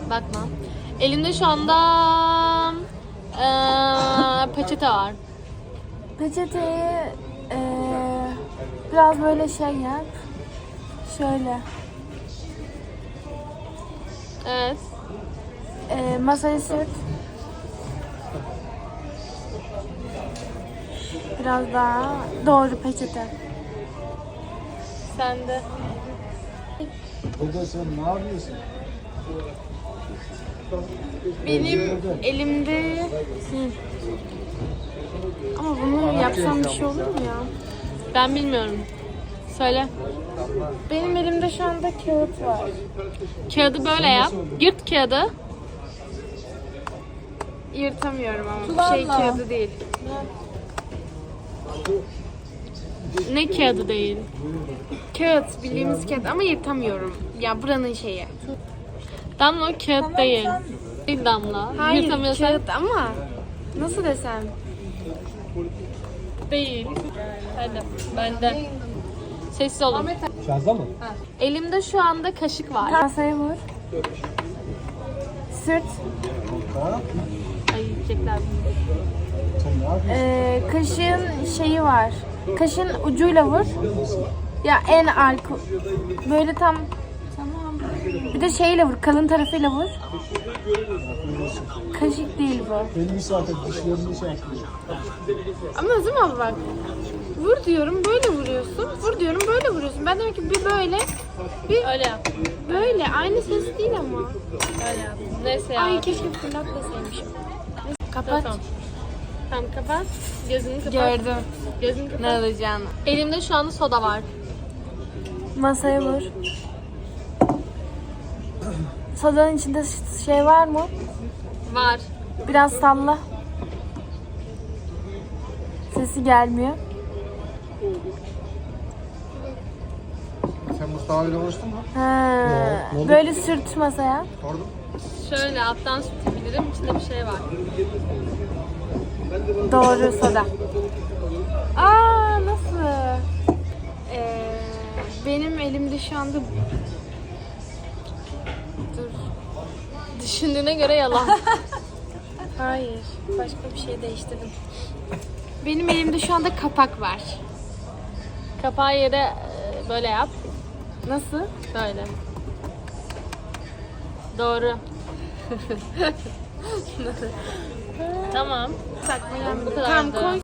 Bakma. Elimde şu anda peçete var. Peçeteyi biraz böyle şey yap. Şöyle. Evet. Masaya sürt. Biraz daha doğru peçete. Sen de. Dede sen ne yapıyorsun? Benim elimde... Ama bunu yapsam bir şey olur mu ya? Ben bilmiyorum. Söyle. Benim elimde şu anda kağıt var. Kağıdı böyle yap. Yırt kağıdı. Yırtamıyorum ama bu şey kağıdı değil. Ne kağıdı değil? Kağıt, bildiğimiz kağıt ama yırtamıyorum. Ya buranın şeyi. Damla o kağıt değil. Değil Damla. Hayır, Yırtamıyorsan kağıt ama nasıl desem? değil. Hadi. Bende. Sessiz olun. Şarjda mı? Elimde şu anda kaşık var. Masaya vur. Sırt. Ha? Ay yiyecekler bunu. Sen ne yapıyorsun? Kaşığın şeyi var. Kaşığın ucuyla vur. Ya en arka. Böyle tam. Tamam. Bir de şeyle vur. Kalın tarafıyla vur. Kaşık değil bu. Benim zaten dişlerimde şey yapıyor. Ama Özüm abi bak. Vur diyorum böyle vuruyorsun. Vur diyorum böyle vuruyorsun. Ben demek ki bir böyle bir Öyle yap. böyle. Aynı ses değil ama. Öyle yap. Neyse ya. Ay keşke fırlatmasaymışım. Kapat. Tamam. Tamam kapat. Gözünü kapat. Gördüm. Gözünü kapat. Ne alacağını. Elimde şu anda soda var. Masaya vur. Sodanın içinde şey var mı? Var. Biraz salla. Sesi gelmiyor. Sen Mustafa ile konuştun mu? Ha, Ne oldu? böyle sürt masaya. Sordum. Şöyle alttan sütebilirim. İçinde bir şey var. Doğru soda. Aa nasıl? Benim elimde şu anda dur. Düşündüğüne göre yalan. Hayır. Başka bir şey değiştirdim. Benim elimde şu anda kapak var. Kapağı yere böyle yap. Nasıl? Böyle. Doğru. Tamam. Sakma Bu kadar. Tamam koy.